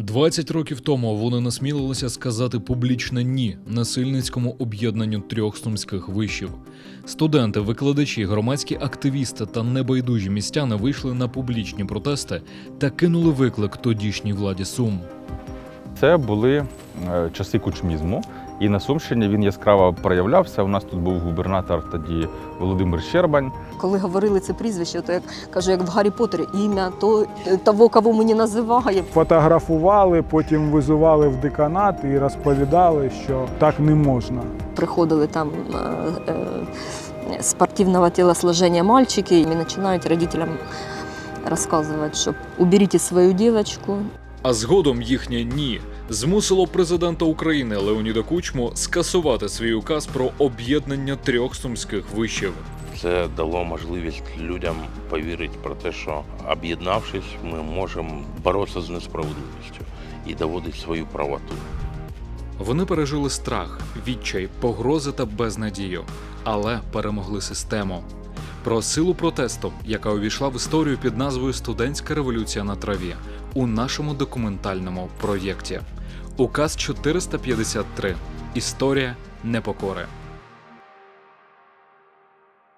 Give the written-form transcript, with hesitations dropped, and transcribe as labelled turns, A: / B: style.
A: 20 років тому вони насмілилися сказати публічне «ні» насильницькому об'єднанню 3 сумських вишів. Студенти, викладачі, громадські активісти та небайдужі містяни вийшли на публічні протести та кинули виклик тодішній владі Сум.
B: Це були часи кучмізму, і на Сумщині він яскраво проявлявся. У нас тут був губернатор тоді Володимир Щербань.
C: Коли говорили це прізвище, то як в Гаррі Поттері, ім'я того, кого ми не називаємо.
D: Фотографували, потім визивали в деканат і розповідали, що так не можна.
C: Приходили там спортивного телосложения мальчики і починають родителям розказувати, що «уберіть свою дівчинку».
A: А згодом їхнє «ні» змусило президента України Леоніда Кучму скасувати свій указ про об'єднання 3 сумських вишів.
E: Це дало можливість людям повірити про те, що об'єднавшись, ми можемо боротися з несправедливістю і доводити свою правоту.
A: Вони пережили страх, відчай, погрози та безнадію, але перемогли систему. Про силу протесту, яка увійшла в історію під назвою «Студентська революція на траві» у нашому документальному проєкті. Указ 453. Історія непокори.